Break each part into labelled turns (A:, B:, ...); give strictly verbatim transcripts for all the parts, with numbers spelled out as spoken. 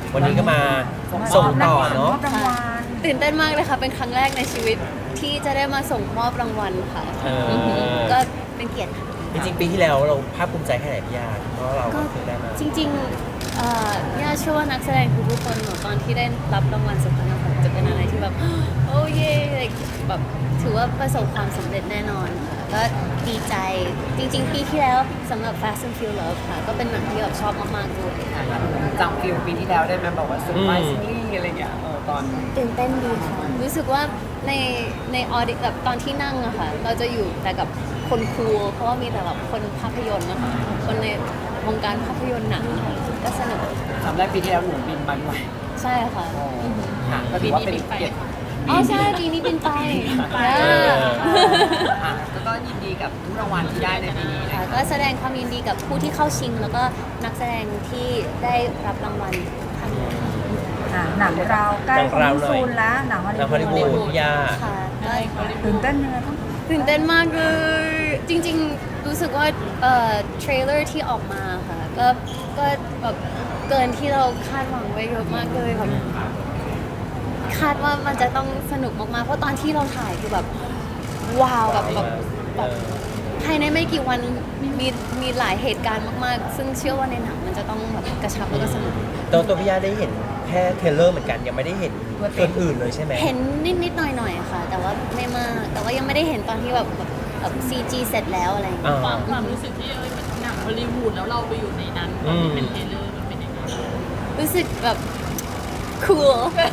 A: วันนี้ก็มาส่งต่อเนาะ
B: ตื่นเต้นมากเลยค่ะเป็นครั้งแรกในชีวิตที่จะได้มาส่งมอบรางวัลค่ะ
A: เออ
B: ก็เป็นเกียรติค่ะ
A: จริงๆปีที่แล้วเราภาคภูมิใจแค่ไหนพี่ยาเพราะเราก็เคยได้มา
B: จริงๆเอ่อย่าเชื่อว่านักแสดงทุกๆคนหนูตอนที่ได้รับรางวัลสุพรรณหงส์จะเป็นอะไรที่แบบ โอ้เย่แบบถือว่าประสบความสำเร็จแน่นอนค่ะก็ดีใจจริงๆ ปีที่แล้วสำหรับ Fast and Furious ค่ะ ก็เป็นหนังที่แบบชอบมากๆด้วยค่ะ
C: จำฟิลปีที่แล้วได้ไหมบอกว่าสุดท้ายซีรีส์อะไรเงี้ยเออตอน
B: ตื่นเต้นดีค่ะรู้สึกว่าในในออดิแบบตอนที่นั่งอะค่ะเราจะอยู่แต่กับคนครูเพราะว่ามีแต่แบบคนภาพยนตร์นะคะคนในวงการภาพยนตร์หนังค่ะก็สนุก
C: จำได้ปีที่แล้วหนูบินมาด้วย
B: ใช่ค่ะ
C: ค่ะก็ถือว่าเป็นเกียรติ
B: อ๋อใช่ปีนี้บินไป
A: เออ
C: ค่ะแล้วก็ยินดีกับทุกรางวัลที่ได้ในปีนี้นะ
B: ค่ะก็แสดงความยินดีกับผู้ที่เข้าชิง แล้วก็นักแสดงที่ได้รับรางวัลท่านนี้
D: อ่ะหนังเราใกล้
A: หนัง
D: คอ
A: เรา
D: ม
A: หน่อย
D: ซูนแล้วหนังฮอล
A: แล้วฮอลลีวู
D: ลี
A: ด
D: วูด
A: พี่ยา
B: ค่ะก็
D: ตื่นเต้นยังไงบ้าง
B: ตื่นเต้นมากเลยจริงๆรู้สึกว่าเอ่อเทรลเลอร์ที่ออกมาค่ะก็ก็แบบเกินที่เราคาดหวังไว้เยอะมากเลยแบบคาดว่ามันจะต้องสนุกมากๆเพราะตอนที่เราถ่ายคือแบบว้าวแบบแบบแบบภายในไม่กี่วันมีมีหลายเหตุการณ์มากๆ ซึ่งเชื่อว่าในหนังมันจะต้องแบบกระชับแล้วก็สนุก
A: ตัวตัวพี่ยาได้เห็นแค่เทรลเลอร์เหมือนกันยังไม่ได้เห็นส่วนอื่นเลยใช่ไหม
B: เห็นนิดนิดๆหน่อยหน่อยๆค่ะ แต่ว่าไม่มากแต่ว่ายังไม่ได้เห็นตอนที่แบบแบบแบบซีจีเสร็จแล้วอะไรอย่างเงี้ย
A: อ่า
E: ความความรู้สึกที่เอ้ยมันหนังฮอลลีวูดแล้วเราไปอยู่ในนั้นตอนที่เป็นเทรลเลอร์มันเป็นยังไง
B: รู้สึกแบบ cool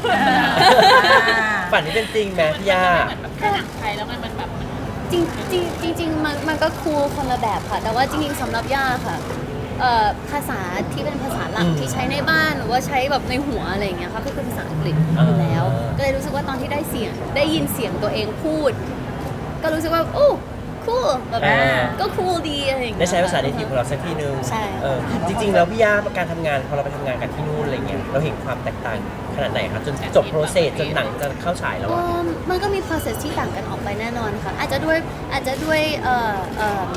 A: ฝันนี้เป็นจริงไหมพี่ยา
E: เหมือนแบบแค่หนังไทยแล้วมันมันแบบมัน
B: จริงจริงจริงจริงๆมันมันก็คูลคนละแบบค่ะ แต่ว่าจริงๆสำหรับย่าค่ะเอ่อภาษาที่เป็นภาษาหลัก
A: อืม
B: ที่ใช้ในบ้านหรือว่าใช้แบบในหัวอะไรอย่างเงี้ยค่ะก็คือภาษาอังกฤษอยู่แล้ว
A: อ่า
B: ก็เลยรู้สึกว่าตอนที่ได้เสียงได้ยินเสียงตัวเองพูด ก็รู้สึกว่าโอ้ cool แบบ
A: อ่า
B: ก็ cool ดีอะไรอย่างเงี้ย
A: ได้ใช้ภาษาเนทีฟของเราสักทีนึง
B: ใช่
A: เออจริง ๆ แล้วพี่ยาการทำงานพอเราไปทำงานกันที่นู่นอะไรเงี้ยเราเห็นความแตกต่างขนาดไหนครับจนจบโปรเซสจนหนังจะเข้าฉายแล้ว
B: เอิ่
A: อะ
B: มมันก็มี process ที่ต่างกันออกไปแน่นอนค่ะ อาจจะด้วยอาจจะด้วยเอ่อเอ่อ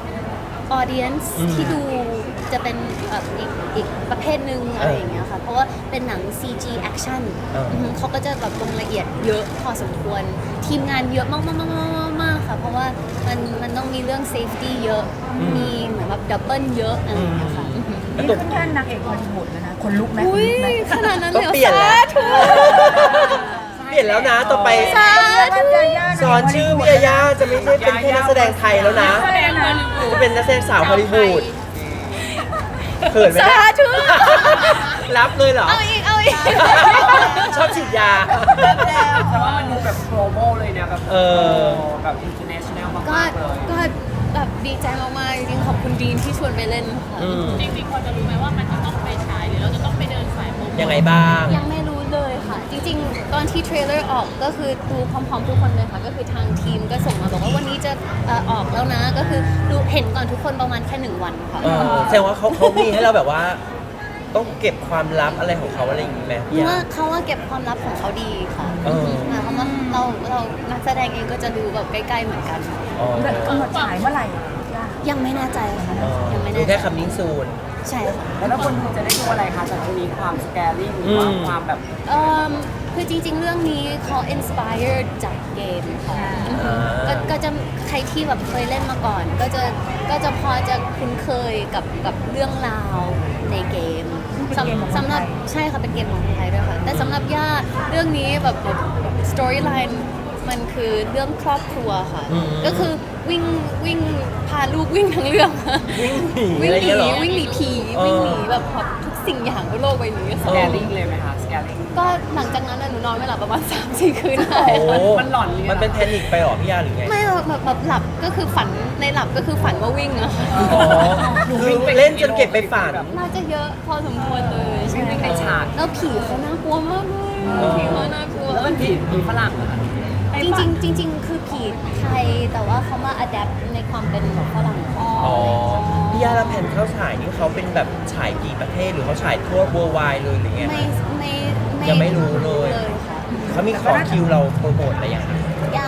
B: audience
A: อืม
B: ที่ดูจะเป็นเอ่ออีกอีกประเภทหนึ่งอะไรอย่างเงี้ยค่ะ เพราะว่าเป็นหนัง ซี จี action
A: เอออื
B: อฮึเขาก็จะแบบลงละเอียดเยอะพอสมควร ทีมงานเยอะมากมากมากมากมากค่ะ เพราะว่ามันมันต้องมีเรื่อง safety เยอะ มีเหมือนแบบ double เยอะอะไรอย่างเงี้ยค่ะอือฮึ
A: แล้ว
D: นี่
A: ตัว
D: ขึ้นแท่นนางเอกฮอลลีวูดแล้วนะคนลุกไหม
B: อุ้ย
D: คนลุกไหม
B: ขนาดนั้น
A: ต้
B: เล
A: อง
B: ย
A: เปลี่ยนแล้ว
B: สาธุ
A: เปลี่ยนแล้วนะต่อไป
B: สาธุ
A: สอนชื่อพี่ยาย่าจะไม่ใช่เป็นแค่นักแสดงไทยแล้วนะ
D: แสดงฮอลลีวูด
A: จะเป็นนักแสดงสาวฮอลลีวูดเขินไหม
B: สา
A: เนี่ย
B: ธุ
A: รับเลยเหรอ
B: เอาอีก เอาอีก
A: ชอบฉีดยา
C: แต่ว่ามันดูแบบ global เลยนะแบบ
A: เออ
C: แบบ international
B: ก็
C: มากๆเลย
B: ก็แบบดีใจมากๆจริงๆขอบคุณดีนที่ชวนไปเล่นค่ะ
A: อืม
E: จริงๆพอจะรู้ไหมว่ามันจะต้องไปฉายหรือเราจะต้องไปเดินสายโปรโมท
A: ยังไงบ้าง
B: ยังไม่รู้เลยค่ะ จริงๆ ตอนที่เทรลเลอร์ออกก็คือดูพร้อมๆทุกคนเลยค่ะ ก็คือทางทีมก็ส่งมาบอกว่าวันนี้จะเอ่อออกแล้วนะ ก็คือดูเห็นก่อนทุกคนประมาณแค่หนึ่งวันค่ะ
A: เออแสดงว่าเขาเขามีให้เราแบบว่า ต้องเก็บความลับอะไรของเขาอะไรอย่างงี้ไหม
B: เพ
A: พี่
B: ราะ
A: ยา
B: ว่าเขาว่าเก็บความลับของเขาดีค่ะ
A: เออ
B: หมายความว่าเราเรานักแสดงเองก็จะดูแบบใกล้ๆเหมือนกัน
A: อ๋อ
D: กำหนดฉายเมื่อไหร่ย่า
B: ยังไม่แน่ใจค่ะ
A: อ๋อ
B: ยังไม่
A: ดู
B: แน่ใจ
A: แค่คำนิ้งซูน
B: ใช่ค่ะ
C: แล้วคนดูจะได้ดูอะไรคะจากตรงนี้ความ scaring หรือว่า
A: อืม
C: ความแบบ
B: เอิ่มคือจริงๆ เรื่องนี้เขา inspired จากเกมค่ะก็ก็จะใครที่แบบเคยเล่นมาก่อน ก็จะก็จะพอจะคุ้นเคยกับกับเรื่องราวในเกมสำสำหรับใช่ค่ะเป็นเกมของคนไทยด้วยค่ะ แต่สำหรับย่าเรื่องนี้แบบแบบ storyline มันคือเรื่องครอบครัวค่ะ
A: อืม
B: ก็คือวิ่งวิ่งพาลูกวิ่งทั้งเรื่อง
A: วิ่งหนี
B: วิ่
A: อะ
B: ง
A: ไร
B: หนี
A: เงี้ยเหรอ
B: วิ่งหนีผี
A: เออ
B: วิ่งหนีแบบแบบทุกสิ่งอย่างบนโลกใบนี้ค่ะ
C: scaring เลยไหมคะ scaring
B: ก็หลังจากนั้นน่ะหนูนอนไม่หลับประมาณ สามสี่ คืนได้
A: โอ้
C: มันหลอนเลยอะ
A: มันเป็นแพนิคไปเหรอพี่ยาหรือไง
B: ไม่หรอกแบบแบบหลับก็คือฝันในหลับก็คือฝันว่าวิ่งอะค่ะ
A: อ๋อคือเล่นจนเก็บไปฝัน
B: น่าจะเยอะพอสมควรเลยใช่
C: วิ่งในฉาก
B: แล้วผีเขาน่ากลัวมากเลย
A: เออ
B: ผีเขาน่ากลัว
C: แล้วมันผีผีฝรั่งเหรอคะ
B: จริงๆจริง ๆ คือผีไทยแต่ว่าเขามาอัดแอปในความเป็นแบบฝรั่งของ
A: อ๋
B: เขา
A: อพี่ยาและแผ่นเข้าฉายนี่เขาเป็นแบบฉายกี่ประเทศหรือเขาฉายทั่ว worldwide เลยหรือไง
B: ไม่ไม่
A: ยังไม่รู้เลย
B: เลยค่ะ
A: เขามีขอคิวเราโปรโมทอะไรอย่างไร
B: ยัง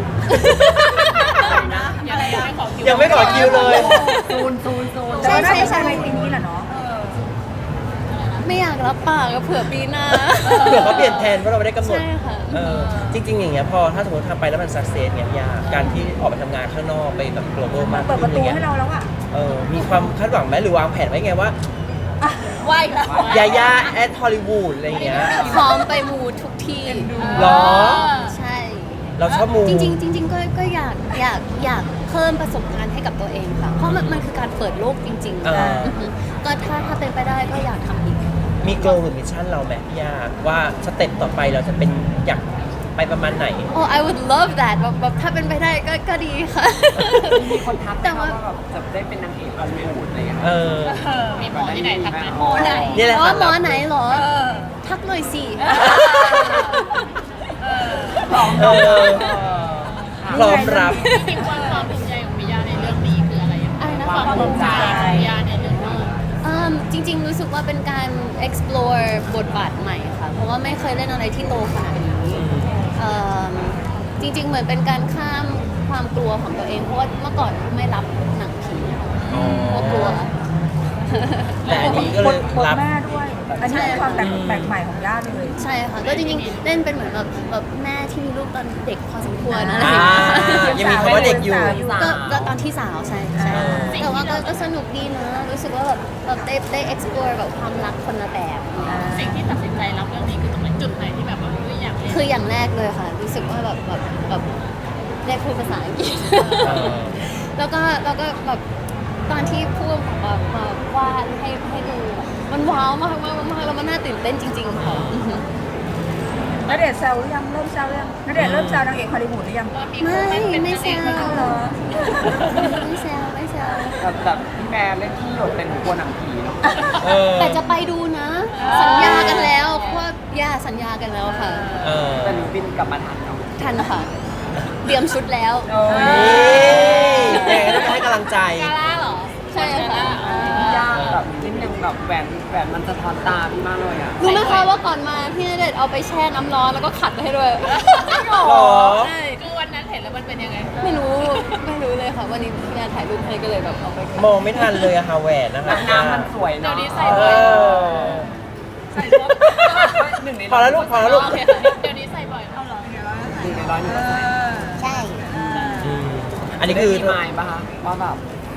E: ยังไม่ได้ขอคิว
A: ยังไม่ขอคิวเลย
C: ซูนซูนซูน
D: แต่ว่าน่าจะภายในปีนี้แหละเนาะ
B: นไม่อยากรับปากก็เผื่อปีหน้า
A: เผื่อเขาเปลี่ยนแผนเพราะเราไม่ได้กำหนด
B: ใช่ค่ะ
A: เออจริง ๆ อย่างเงี้ยพอถ้าสมมติทำไปแล้วมันสักเซสเนี่ยพี่ยาการที่ออกไปทำงานข้างนอกไปแบบ global มาก
D: เปิดป
A: ขึ้น
D: ระ
A: อ
D: ตู
A: ย่างเงี้ย
D: ให้เราแล้วอ่ะ
A: เออมีความคาดหวังไหมหรือวางแผนไว้ไงว่า
E: ไหวแล้ว
A: ยาย่าแอดฮอลลีวูดอะไรอย่างเงี้ย
B: พร้อมไปมูทุกที่
A: หรอ
B: ใช่
A: เราชอบมู
B: จริงๆจริงๆก็ก็อยากอยากอยากเพิ่มประสบการณ์ให้กับตัวเองค่ะ เพราะมันมันคือการเปิดโลกจริงๆ
A: เออ
B: อือฮึก็ถ้าถ้าเป็นไปได้ก็อยากทำอีก
A: มีโกลหรือมิชชั่นเราไหมพี่ยาว่าสเต็ปต่อไปเราจะเป็นอยากไปประมาณไหน
B: โอ้ I would love that แบบแบบถ้าเป็นไปได้ก็ก็ดีค่ะ
C: มีคนทัก
B: แต่
C: แต่ว่า
B: ว่า
C: แบบจะได้เป็นนางเอกฮอลลีวูดอะไรอย่างเงี้ย
A: เออ
E: มีหมอที่ไหนทักมา
C: หมอไหน
A: นี่แหละ
B: อ๋อ
A: ค่ะ
B: หมอไหนเหรอ ทักหน่อยสิ
A: เออพร้อมรับ
E: จริงๆความความภูมิใจของมิยาในเรื่องนี้คืออะไรอย่าง
B: อะไรนะ
E: ความภูมิใจของมิยาในเรื่องนี้
B: อืมจริงๆ รู้สึกว่าเป็นการ explore บทบาทใหม่ค่ะ เพราะว่าไม่เคยเล่นอะไรที่โตขนาดนี้เอิ่มจริง ๆ เหมือนเป็นการข้ามความกลัวของตัวเอง เพราะว่าเมื่อก่อนไม่รับหนังผีเพราะกลัว
A: แต่อันนี้ก็เลย
D: บท
A: รับ
D: แม่ด้วย อันนี้เป็นความแปลกแปลกใหม่ของย่าเลย
B: ใช่ค่ะ ก็จริงๆ เล่นเป็นเหมือนแบบแบบแม่ที่มีลูกตอนเด็กพอสมควรอะไร
A: อ่า
B: อย่างเงี้ย
A: ยังมีคำว่าเด็กอยู่
B: ก็ก็ตอนที่สาวใช่ใช่
A: อ่า
B: แต่ว่าก็ก็สนุกดีนะ รู้สึกว่าแบบแบบได้ได้ explore แบบความรักคนละแบบ
E: สิ่งที่ตัดสินใจรับเรื่องนี้คือตรงไหนจุดไหนที่แบบว่าเฮ้ยอยากเล่น
B: คืออย่างแรกเลยค่ะ รู้สึกว่าแบบแบบแบบได้พูดภาษาอังกฤษ
A: เออ
B: แล้วก็แล้วก็แบบตอนที่พูดแบบมาวาดให้ให้ดูอะมันว้าวมากมากมากแล้วมันน่าตื่นเต้นจริงๆค่ะอือฮึ
D: ณเดชน์แซวหรือยัง เริ่มแซวหรือยังณเดชน์เริ่มแซวนางเอกฮอลลีวูดหรือยัง
B: ไม่ไม่แซว
D: เอาเหรอ
B: ไม่แซวไม่แซว
C: แบบแบบพี่แม่เล่นที่หยดเป็นกลัวหนังผีเนาะ
A: เออ
B: แต่จะไปดูนะ สัญญากันแล้วเพราะว่าย่าสัญญากันแล้วค่ะ
A: เออ
C: แต่หนูบินกลับมาทันเนาะ
B: ทันค่ะ เตรียมชุดแล้ว
D: โอ้ย
A: นี่ยังไงก็ต้องให้กำลังใจ
E: กาล่าเหรอ
B: ใช่ค่ะ
C: ยากแบบนิดนึงแบบแหวนแหวนมันสะท้อนตาพี่มากเลยอ่ะ
B: รู้ไหมคะว่าก่อนมาพี่ณเดชน์เอาไปแช่น้ำร้อนแล้วก็ขัดให้ด้วย
A: หรอ
B: ใช่
E: คือวันนั้นเห็นแล้วมันเป็นยังไง
B: ไม่รู้ไม่รู้เลยค่ะ วันนี้พี่นาถ่ายรูปให้ก็เลยแบบเอาไป
A: มองไม่ทันเลยอะค่ะแหวนนะคะ
C: น้ำมันสวย
E: เดี๋ย
C: เนาะ
E: วนี้ใส่
A: เอ
E: บ่อย
A: อ
E: ใส่บ่อย
C: หนึ่งใน
A: พอแล้วลูกพอแล้วลูก
E: โอเคค่ะเดี๋ยวนี้ใส่บ่อยเท่าไหร่
C: หนึ่งในร้อยหนึ่งก็ใส่
B: ใช่
A: อืมอันนี้คือ
C: ได้มีไมล์ปะคะว่าแบบ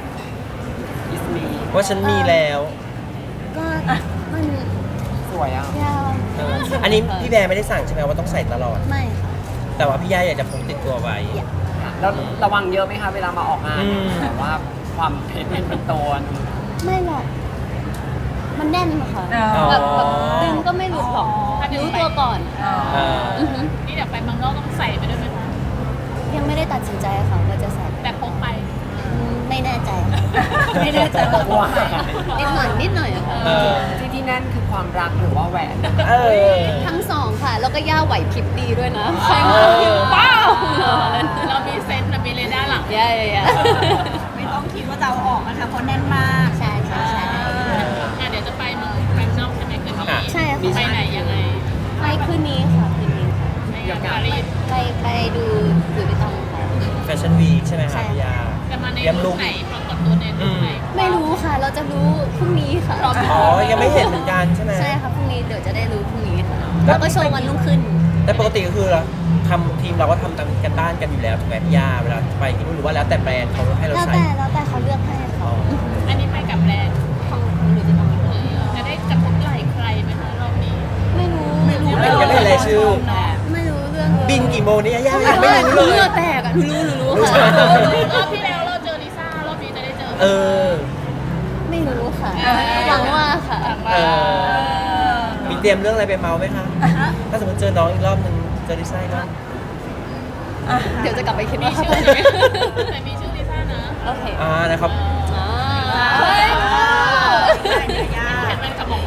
C: is me
A: ว่าฉันมีแล้ว
B: ก็มัน
C: สวยอ่ะ
B: ยาว
A: เอออันนี้พี่แบร์ไม่ได้สั่งใช่ไหมว่าต้องใส่ตลอด
B: ไม่ค่ะ
A: แต่ว่าพี่ย่าอยากจะพกติดตัวไว้
B: อยาก
C: แล้วระวังเยอะไหมคะเวลามาออกงาน
A: อืม
C: แบบว่าความเพชรเป็นเป็นตัว
B: ไม่หรอกมันแน่นค่ะ
D: อ๋อ
B: แบบแบบดึงก็ไม่หลุดหรอกรู้ตัวก่อน
A: เออ
B: อือฮึ
E: นี่เดี๋ยวไปเมืองนอกต้องใส่ไปด้วยไหมคะ
B: ยังไม่ได้ตัดสินใจค่ะว่าจะใส่
E: แต่พกไป
B: อืมไม่แน่ใจค่ะไม่แน่ใจว่า
C: ว่า
B: นิดหน่อยนิดหน่อยอะค่ะ
A: เออ
C: ที่ที่แน่นคือความรักหรือว่าแหวน
A: เออ
B: ทั้งสองค่ะ แล้วก็ย่าไหวพริบดีด้วยนะใครมาพิมพ์ว้าว
E: เรามีเซนต์เรามีเรดาร์หลัง
B: ย่าย่าย่า
F: ไม่ต้องคิดว่าจะเอาออกนะคะเพราะแน่นมาก
B: ใช่ใช่ใช่
E: อ่ะเดี๋ยวจะไปเมืองไปนอกใช่ไหมคืนนี้
A: ค่ะ
B: ใช่ค่ะ
E: ไปไหนยังไง
B: ไปคืนนี้ค่ะคืนนี้ค่ะ
E: ไปงานปารีส
B: ไปไปดูหรือไปต้องค่ะ
A: แฟชั่นวีคใช่ไหม
B: ใช่
A: คะพี่ย่า
E: จะมาใน
A: เยี่ยมลู
E: ลุ
A: ก
E: คไหนปรากฏตัวในลุคไหน
B: ไม่รู้ค่ะ เราจะรู้พรุ่งนี้ค่ะ
A: อ๋อ ยังไม่เห็นเหมือนกันใช่ไหม
B: ใช่ค่ะพรุ่งนี้เดี๋ยวจะได้รู้พรุ่งนี้ค่ะ แล้วก็โชว์วันรุ่งขึ้น
A: แต่ปกติก็คือเราทำทีมเราก็ทำตามกันบ้านกันอยู่แล้วถูกไหมพี่ย่าเวลาไปที่นู่นหรือว่าแล้วแต่แบรนด์เขาให้เรา
B: แล้ว
A: ใส่
B: แต่แล้วแต่เขาเลือกให้
A: อ๋อ
B: ค่ะ
E: อันนี้ไปกับแบรนด์
B: ของของหรือจะต้อง
E: เออจะได้กระทบไหล่ใครไหมคะรอบนี้
B: ไม่รู้
A: ไม่รู้ยังไม่เห็นรายชื่อ
B: ไม่รู้เรื่องเลย
A: บินกี่โมงนี่ย่ายังไม่รู้เลย
B: เลือดแตกอ่ะหนูรู้หนูรู้
A: รู้
B: ค่ะ
A: ใช่ไหม
E: รอบที่แล้วเราเจอลิซ่ารอบนี้จะได้เจอ
A: เออ
B: ไม่รู้ค่ะหวังว่าค่ะ
A: เออ มีเตรียมเรื่องอะไรไปเมาไหมคะ ถ้าสมมติเจอน้องอีกรอบหนึ่งเจอลิซ่าอีกรอบ
B: เดี๋ยวจะกลับไปคิด
E: มี
B: ว่า
E: ชื่อไหมแต่มีชื่อลิซ่านะ
B: โอเค
A: อ่านะครับ
B: อ่า
E: เฮ้ยเห็นมันกระบอกมา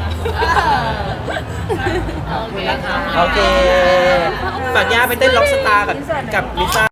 C: ขอบคุณนะคะ
A: โอเค ฝากย่าไปเต้นล็อกสตาร์กับกับลิซ่า